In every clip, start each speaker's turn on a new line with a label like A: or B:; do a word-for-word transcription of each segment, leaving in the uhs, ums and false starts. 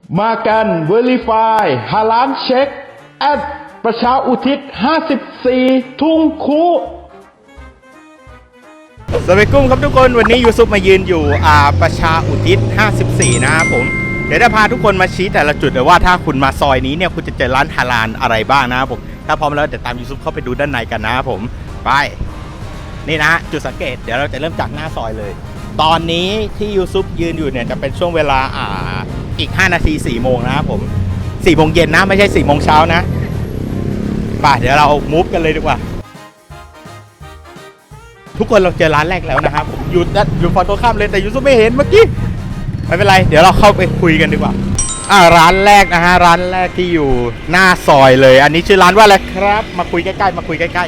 A: มากัน Verify ฮาลานเช็คแอดประชาอุทิศห้าสิบสี่ทุ่งคู
B: สวัสดีกุ้งครับทุกคนวันนี้ยูซุปมายืนอยู่อ่าประชาอุทิศห้าสิบสี่นะครับผมเดี๋ยวจะพาทุกคนมาชี้แต่ละจุดเลยว่าถ้าคุณมาซอยนี้เนี่ยคุณจะเจอร้านฮาลาลอะไรบ้างนะครับผมถ้าพร้อมแล้วเดี๋ยวตามยูซุปเข้าไปดูด้านในกันนะครับผมไปนี่นะจุดสังเกตเดี๋ยวเราจะเริ่มจากหน้าซอยเลยตอนนี้ที่ยูซุปยืนอยู่เนี่ยจะเป็นช่วงเวลาอ่าอีกห้านาทีสี่โมงนะครับผมสี่โมงเย็นนะไม่ใช่สี่โมงเช้านะไปเดี๋ยวเรามูฟกันเลยดีกว่าทุกคนเราเจอร้านแรกแล้วนะครับผมอยู่อยู่ฝั่งตรงข้ามเลยแต่ยูซุปไม่เห็นเมื่อกี้ไม่เป็นไรเดี๋ยวเราเข้าไปคุยกันดีกว่าอ่าร้านแรกนะฮะร้านแรกที่อยู่หน้าซอยเลยอันนี้ชื่อร้านว่าอะไรครับมาคุยใกล้ๆมาคุยใกล้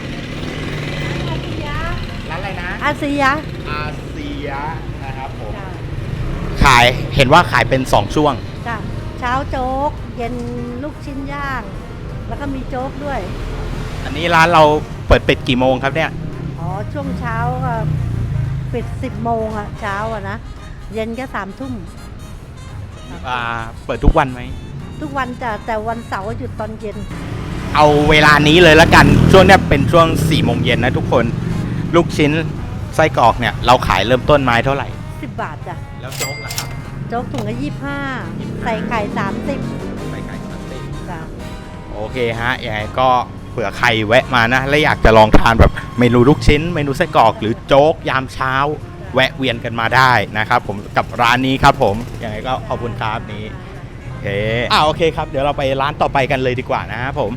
B: ๆร้านอะไรนะ
C: อาเซีย
B: อาเซียนะครับผมขายเห็นว่าขายเป็นสองช่วง
C: จ้ะเช้าโจ๊ก เย็นลูกชิ้นย่าง แล้วก็มีโจ๊กด้วย
B: อันนี้ร้านเราเปิดปิดกี่โมงครับเนี่ย
C: อ๋อ ช่วงเช้าก็ปิดสิบโมงอะเช้าอะนะ เย็นก็สามทุ่ม
B: อ่าเปิดทุกวันไหม
C: ทุกวันจ้ะแต่วันเสาร์หยุดตอนเย็น
B: เอาเวลานี้เลยละกันช่วงเนี้ยเป็นช่วงสี่โมงเย็นนะทุกคนลูกชิ้นไส้กรอกเนี่ยเราขายเริ่มต้นไม้เท่าไหร่
C: สิบบาทจ้ะ
B: แล้วโจ๊กล่ะครับ
C: โจ๊กถุงละยี่สิบห้าใส่ไข่สามสิบ
B: ใส่ไก่สามสิบ
C: จ้ะ
B: โอเคฮะยังไงก็เผื่อใครแวะมานะและอยากจะลองทานแบบเมนูลูกชิ้นเมนูไส้กรอกหรือโจ๊กยามเช้าแวะเวียนกันมาได้นะครับผมกับร้านนี้ครับผมยังไงก็ขอบคุณครับนี้โอเคอ่าโอเคครับเดี๋ยวเราไปร้านต่อไปกันเลยดีกว่านะครับผม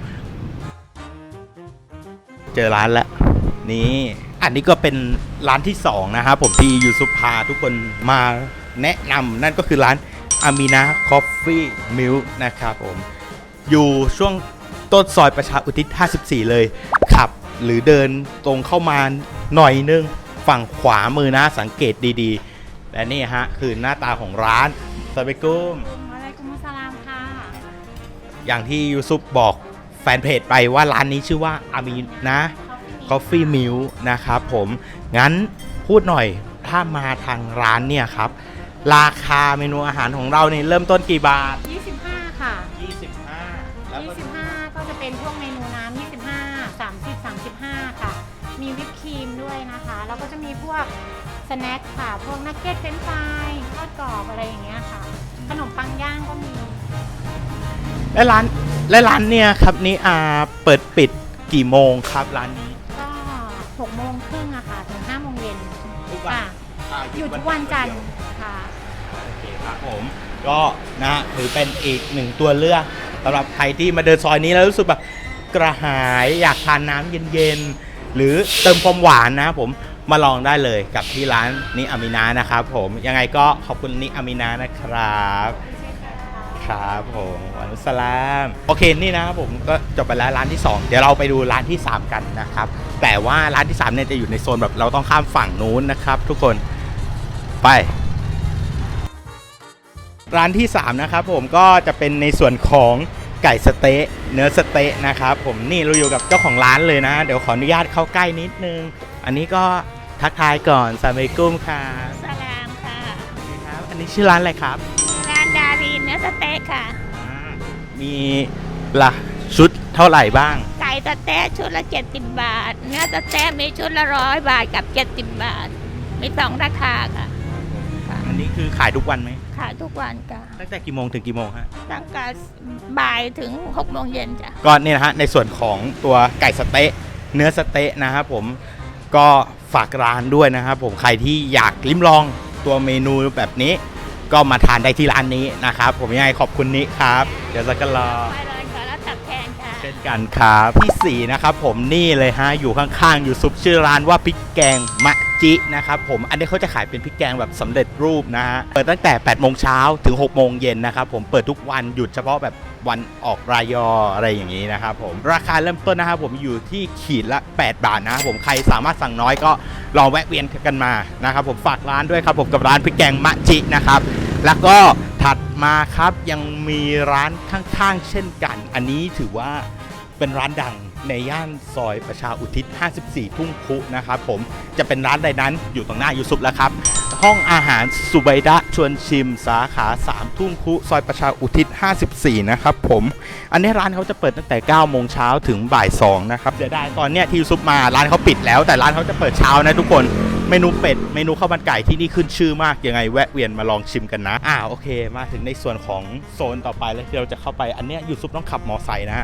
B: เจอร้านแล้วนี่อันนี้ก็เป็นร้านที่สองนะครับผมที่ยูซุปพาทุกคนมาแนะนำนั่นก็คือร้านอามีนาคอฟฟี่มิลค์นะครับผมอยู่ช่วงต้นซอยประชาอุทิศห้าสิบสี่เลยขับหรือเดินตรงเข้ามาหน่อยนึงฝั่งขวามือนะสังเกตดีๆและนี่ฮะคือหน้าตาของร้านสวัสดีกุ้ม
D: อะไรกุมุสลามค่ะ
B: อย่างที่ยูซุปบอกแฟนเพจไปว่าร้านนี้ชื่อว่าอามีนะCoffee Milk นะครับผมงั้นพูดหน่อยถ้ามาทางร้านเนี่ยครับราคาเมนูอาหารของเราเนี่ยเริ่มต้นกี่บาท
D: ยี่สิบห้าค่ะ
B: ยี่สิบห้าแล้วก็
D: ยี่สิบห้าก็จะเป็นพวกเมนูน้ำยี่สิบห้า สามสิบ สามสิบห้าค่ะมีวิปครีมด้วยนะคะแล้วก็จะมีพวกสแน็คค่ะพวกนักเก็ตเฟรนช์ฟรายทอดกรอบอะไรอย่างเงี้ยค่ะขนมปังย่างก็มี
B: และร้านและร้านเนี่ยครับนี่อ่าเปิดปิดกี่โมงครับร้านนี้
D: ก็หกโมงครึ่งอะค่ะถึงห้าโมงเย็น
B: ทุกวัน
D: ค่ะหยุดทุกวันจันทร์ค่ะ
B: โอเคครับผมก็นะถือเป็นอีกหนึ่งตัวเลือกสำหรับใครที่มาเดินซอยนี้แล้วรู้สึกแบบกระหายอยากทานน้ำเย็นๆหรือเติมความหวานนะครับผมมาลองได้เลยกับที่ร้านนิอามินานะครับผมยังไงก็ขอบคุณนิอามินานะครับครับผมวานุสลามโอเคนี่นะครับผมก็จบไปแล้วร้านที่สองเดี๋ยวเราไปดูร้านที่สามกันนะครับแต่ว่าร้านที่สามเนี่ยจะอยู่ในโซนแบบเราต้องข้ามฝั่งนู้นนะครับทุกคนไปร้านที่สามนะครับผมก็จะเป็นในส่วนของไก่สเต๊ะเนื้อสเต๊ะนะครับผมนี่เราอยู่กับเจ้าของร้านเลยนะเดี๋ยวขออนุญาตเข้าใกล้นิดนึงอันนี้ก็ทักทายก่อนสวัสดีกุ้มค่ะ
D: สลามค่ะ
B: ครับอันนี้ชื่อร้านอะไรครับ
D: ร้านดารีเนื้อสเต๊ะค่ะ
B: มีละชุดเท่าไหร่บ้าง
D: ไก่สเต๊ะชุดละเจ็ดสิบบาทเนื้อสเต๊ะมีชุดละร้อยบาทกับเจ็ดสิบบาทมีสองราคาค่ะ
B: อันนี้คือขายทุกวันไหม
D: ขายทุกวันค่ะ
B: ตั้งแต่กี่โมงถึงกี่โมงฮะ
D: ตั้งแต่บ่ายถึงหกโมงเย็นจ้ะ
B: ก็นี่นะฮะในส่วนของตัวไก่สเต๊ะเนื้อสเต๊ะนะครับผมก็ฝากร้านด้วยนะครับผมใครที่อยากลิ้มลองตัวเมนูแบบนี้ก็มาทานได้ที่ร้านนี้นะครับผมยังไงขอบคุณนิครับเดี๋ยวจะกันรอ
D: ไปเลยค่ะแล้วตับแทนค่ะ
B: เช่นกันครับที่สี่นะครับผมนี่เลยฮะอยู่ข้างๆอยู่ซุปชื่อร้านว่าพริกแกงมะจินะครับผมอันนี้เขาจะขายเป็นพริกแกงแบบสำเร็จรูปนะฮะเปิดตั้งแต่แปดโมงเช้าถึงหกโมงเย็นนะครับผมเปิดทุกวันหยุดเฉพาะแบบวันออกรายออะไรอย่างนี้นะครับผมราคาเริ่มต้นนะครับผมอยู่ที่ขีดละแปดบาทนะครับผมใครสามารถสั่งน้อยก็ลองแวะเวียนกันมานะครับผมฝากร้านด้วยครับผมกับร้านพริกแกงมะจินะครับแล้วก็ถัดมาครับยังมีร้านข้างๆเช่นกันอันนี้ถือว่าเป็นร้านดังในย่านซอยประชาอุทิศห้าสิบสี่ทุ่งคุนะครับผมจะเป็นร้านใดนั้นอยู่ตรงหน้ายูซุปแล้วครับห้องอาหารสุไบดะชชวนชิมสาขาสามทุ่งคุซอยประชาอุทิศห้าสิบสี่นะครับผมอันนี้ร้านเขาจะเปิดตั้งแต่เก้าโมงเช้าถึงบ่ายสองนะครับเดี๋ยวได้ตอนเนี้ยที่ซุปมาร้านเขาปิดแล้วแต่ร้านเขาจะเปิดเช้านะทุกคนเมนูเป็ดเมนูข้าวมันไก่ที่นี่ขึ้นชื่อมากยังไงแวะเวียนมาลองชิมกันนะอ่าโอเคมาถึงในส่วนของโซนต่อไปแล้วที่เราจะเข้าไปอันเนี้ยยูซุปต้องขับมอไซค์นะฮะ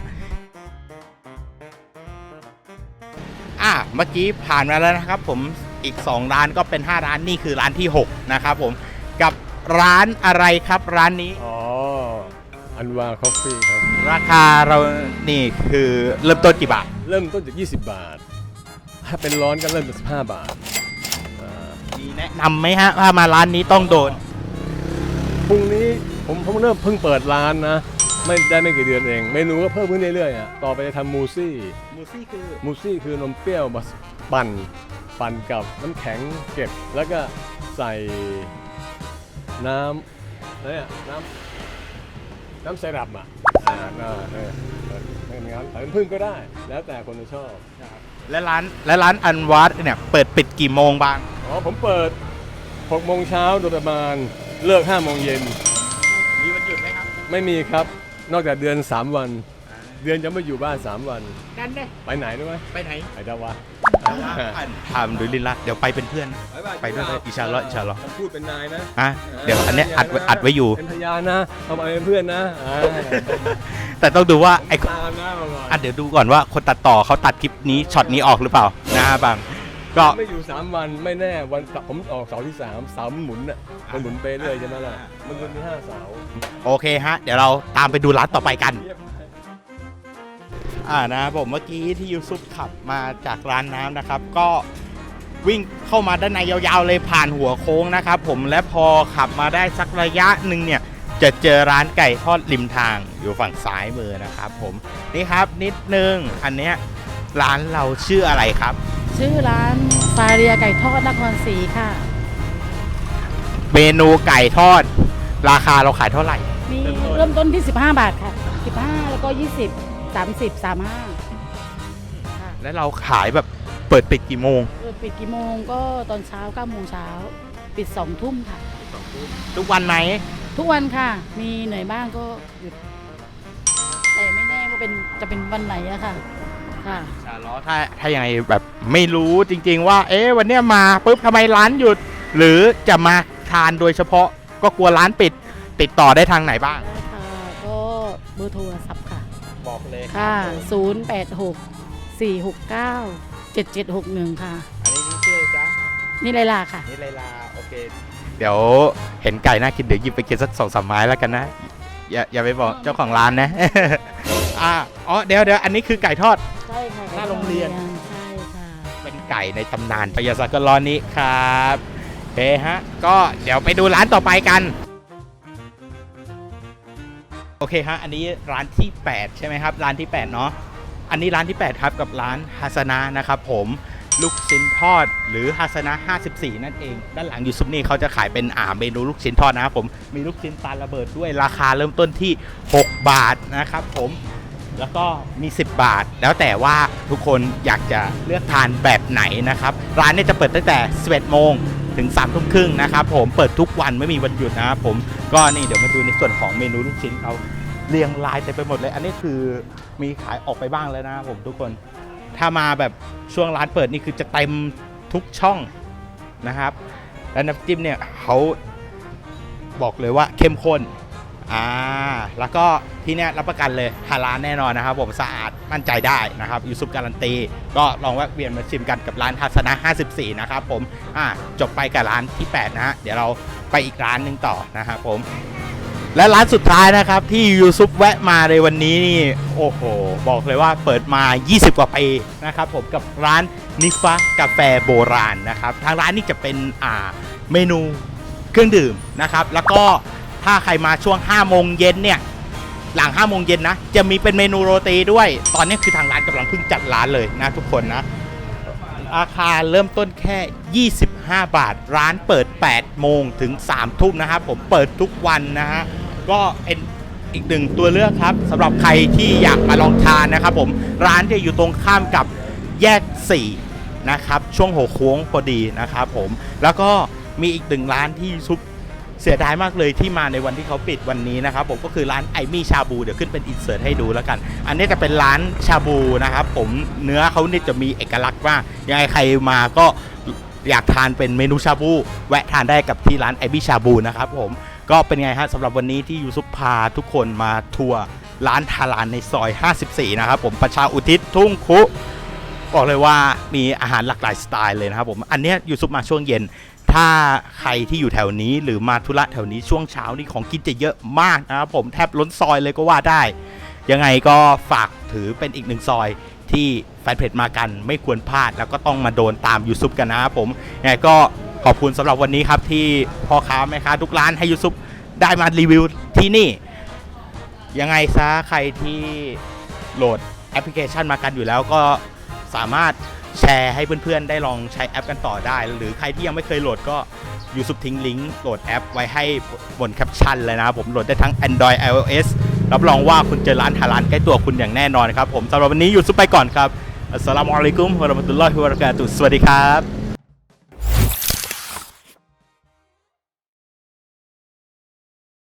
B: อ่าเมื่อกี้ผ่านมาแล้วนะครับผมอีกสองร้านก็เป็นห้าร้านนี่คือร้านที่หกนะครับผมกับร้านอะไรครับร้านนี้
E: อ๋ออันวาคอฟฟี่ครับ
B: ราคาเรานี่คือเริ่มต้นกี่บาท
E: เริ่มต้นจากยี่สิบบาทถ้าเป็นร้อนก็เริ่มจากสิบห้าบาท
B: มีแนะนำไหมฮะถ้ามาร้านนี้ต้องโดน
E: พรุ่งนี้ผมผมเริ่มเพิ่งเปิดร้านนะไม่ได้ไม่กี่เดือนเองเมนูก็เพิ่มขึ้นเรื่อยๆอ่ะต่อไปจะทำมูซี่
B: มูซี่คือ
E: มูซี่คือนมเปรี้ยวมาปั่นปั่นกับน้ำแข็งเก็บแล้วก็ใส่น้ำเนี่ยน้ำน้ำไซรัปอ่ะอ่าน่าเนี่ยเป็นงั้นแต่พึ่งก็ได้แล้วแต่คนจะชอบ
B: และร้านและร้านอันวัดเนี่ยเปิดปิดกี่โมงบ้าง
E: อ๋อผมเปิดหกโมงเช้าโดยประมาณเลิกห้าโมงเย็น
B: มีวันหยุดไหมครับ
E: ไม่มีครับนอกจากเดือนสามวันเดือนจะไม่อยู่บ้านสามวัน
B: นั่นเลย
E: ไปไหนรู้ไหม
B: ไปไหน
E: ไปดาวะ
B: ทำดูลินละเดี๋ยวไปเป็นเพื่อนไปด้วยอิชาลออิชาลอ
E: พูดเป็นนายนะ
B: อ่ะเดี๋ยวอันนี้อัดอัดไว้อยู่
E: เป็นพยานนะเอามาเป็นเพื่อนนะ
B: แต่ต้องดูว่าไอ้อ่ะเดี๋ยวดูก่อนว่าคนตัดต่อเขาตัดคลิปนี้ช็อตนี้ออกหรือเปล่านะบางก็
E: ไม่อยู่สามวันไม่แน่วันผมออกเสาร์ที่สามเสาร์มันหมุนอ่ะมันหมุนไปเรื่อยใช่ไหมล่ะมันวันที่ห้าเสาร์
B: โอเคฮะเดี๋ยวเราตามไปดูร้านต่อไปกันอ่านะผมเมื่อกี้ที่ยูซุปขับมาจากร้านน้ำนะครับก็วิ่งเข้ามาด้านในยาวๆเลยผ่านหัวโค้งนะครับผมและพอขับมาได้สักระยะหนึ่งเนี่ยจะเจอร้านไก่ทอดริมทางอยู่ฝั่งซ้ายมือนะครับผมนี่ครับนิดนึงอันเนี้ยร้านเราชื่ออะไรครับ
C: ชื่อร้านฟาเรียไก่ทอดนครศรีค่ะ
B: เมนูไก่ทอดราคาเราขายเท่าไหร่
C: มีเริ่มต้นที่สิบห้าบาทค่ะสิบห้าแล้วก็ยี่สิบสามสิบ สามสิบห้า
B: แล้วเราขายแบบเปิดปิดกี่โมง
C: เปิดปิดกี่โมงก็ตอนเช้าเก้าโมงเช้าปิดสองทุ่มค่ะ
B: ทุกวันไหม
C: ทุกวันค่ะมีเหนื่อยบ้างก็หยุดแต่ไม่แน่ว่าเป็นจะเป็นวันไหนอะค่ะค่ะ
B: ถ้าถ้ายังไงแบบไม่รู้จริงๆว่าเอ๊ะวันเนี้ยมาปุ๊บทำไมร้านหยุดหรือจะมาทานโดยเฉพาะก็กลัวร้านปิดติดต่อได้ทางไหนบ้าง
C: ค่ะก็เบอร์โทรศัพท์ค่ะ
B: บอกเลย
C: ค่ะศูนย์ แปด หก สี่ หก เก้า เจ็ด เจ็ด หก หนึ่งค่ะ
B: อันนี้นี่ชื่อจ๊ะ
C: นี่ไลลาค่ะ
B: นี่ไลลาโอเคเดี๋ยวเห็นไก่น่ากินเดี๋ยวหยิบไปกินสักสองสามไม้แล้วกันนะอย่าอย่าไปบอกเจ้าของร้านนะอ่าอ๋อเดี๋ยวเดี๋ยวอันนี้คือไก่ทอด
C: ใช่ค่ะ
B: หน้าโรงเรียน
C: ใช่ค่ะ
B: เป็นไก่ในตำนานพยาสักร้อนนี้ครับเฮ้ฮะก็เดี๋ยวไปดูร้านต่อไปกันโอเคฮะอันนี้ร้านที่แปดใช่ไหมครับร้านที่แปดเนาะอันนี้ร้านที่แปดครับกับร้านฮาสนะนะครับผมลูกชิ้นทอดหรือฮาสนะห้าสิบสี่นั่นเองด้านหลังยูซุปนี่เขาจะขายเป็นอ่าเมนูลูกชิ้นทอดนะครับผมมีลูกชิ้นปลาระเบิดด้วยราคาเริ่มต้นที่หกบาทนะครับผมแล้วก็มีสิบบาทแล้วแต่ว่าทุกคนอยากจะเลือกทานแบบไหนนะครับร้านนี้จะเปิดตั้งแต่สิบเอ็ดโมงถึงสามทุ่มครึ่งนะครับผมเปิดทุกวันไม่มีวันหยุดนะครับผมก็นี่เดี๋ยวมาดูในส่วนของเมนูลูกชิ้นเขาเรียงรายเต็มไปหมดเลยอันนี้คือมีขายออกไปบ้างแล้วนะครับผมทุกคนถ้ามาแบบช่วงร้านเปิดนี่คือจะเต็มทุกช่องนะครับและน้ำจิ้มเนี่ยเขาบอกเลยว่าเข้มข้นอ่าแล้วก็ที่นี่รับประกันเลยฮาลาลแน่นอนนะครับผมสะอาดมั่นใจได้นะครับยูซุปการันตีก็ลองแวะเวียนมาชิมกันกับร้านทัศนะห้าสิบสี่นะครับผมอ่าจบไปกับร้านที่แปดนะฮะเดี๋ยวเราไปอีกร้านหนึ่งต่อนะครับผมและร้านสุดท้ายนะครับที่ยูซุปแวะมาในวันนี้นี่โอ้โหบอกเลยว่าเปิดมายี่สิบกว่าปีนะครับผมกับร้านนิฟะกาแฟโบราณนะครับทางร้านนี่จะเป็นอ่าเมนูเครื่องดื่มนะครับแล้วก็ถ้าใครมาช่วงห้าโมงเย็นเนี่ยหลังห้าโมงเย็นนะจะมีเป็นเมนูโรตีด้วยตอนนี้คือทางร้านกำลังเพิ่งจัดร้านเลยนะทุกคนนะราคาเริ่มต้นแค่ยี่สิบห้าบาทร้านเปิดแปดโมงถึงสามทุ่มนะครับผมเปิดทุกวันนะฮะก็เป็นอีกหนึ่งตัวเลือกครับสำหรับใครที่อยากมาลองทานนะครับผมร้านจะอยู่ตรงข้ามกับแยกสี่นะครับช่วงหัวโค้งพอดีนะครับผมแล้วก็มีอีกหนึ่งร้านที่ซุปเสียดายมากเลยที่มาในวันที่เขาปิดวันนี้นะครับผมก็คือร้านไอมี่ชาบูเดี๋ยวขึ้นเป็นอินเสิร์ตให้ดูแล้วกันอันนี้จะเป็นร้านชาบูนะครับผมเนื้อเขานี่จะมีเอกลักษณ์มากยังไงใครมาก็อยากทานเป็นเมนูชาบูแวะทานได้กับที่ร้านไอมี่ชาบูนะครับผมก็เป็นไงฮะสำหรับวันนี้ที่ยูซุปพาทุกคนมาทัวร์ร้านทารานในซอยห้าสิบสี่นะครับผมประชาอุทิศทุ่งคุบอกเลยว่ามีอาหารหลากหลายสไตล์เลยนะครับผมอันนี้ยูซุปมาช่วงเย็นถ้าใครที่อยู่แถวนี้หรือมาธุระแถวนี้ช่วงเช้านี่ของกินจะเยอะมากนะครับผมแทบล้นซอยเลยก็ว่าได้ยังไงก็ฝากถือเป็นอีกหนึ่งซอยที่แฟนเพจมากันไม่ควรพลาดแล้วก็ต้องมาโดนตามยูซุปกันนะครับผมยังไงก็ขอบคุณสำหรับวันนี้ครับที่พ่อค้าแม่ค้าทุกร้านให้ยูซุปได้มารีวิวที่นี่ยังไงซะใครที่โหลดแอปพลิเคชันมากันอยู่แล้วก็สามารถแชร์ให้เพื่อนๆได้ลองใช้แอปกันต่อได้หรือใครที่ยังไม่เคยโหลดก็ยูซุปทิ้งลิงก์โหลดแอปไว้ให้บนแคปชั่นเลยนะครับผมโหลดได้ทั้ง Android ไอ โอ เอส รับรองว่าคุณเจอร้านฮาลาลใกล้ตัวคุณอย่างแน่นอนครับผมสำหรับวันนี้ยูซุปไปก่อนครับอัสสลามุอะลัยกุมวะเราะมะตุลลอฮิวะบะเราะกาตุฮ์สวัสดีครับ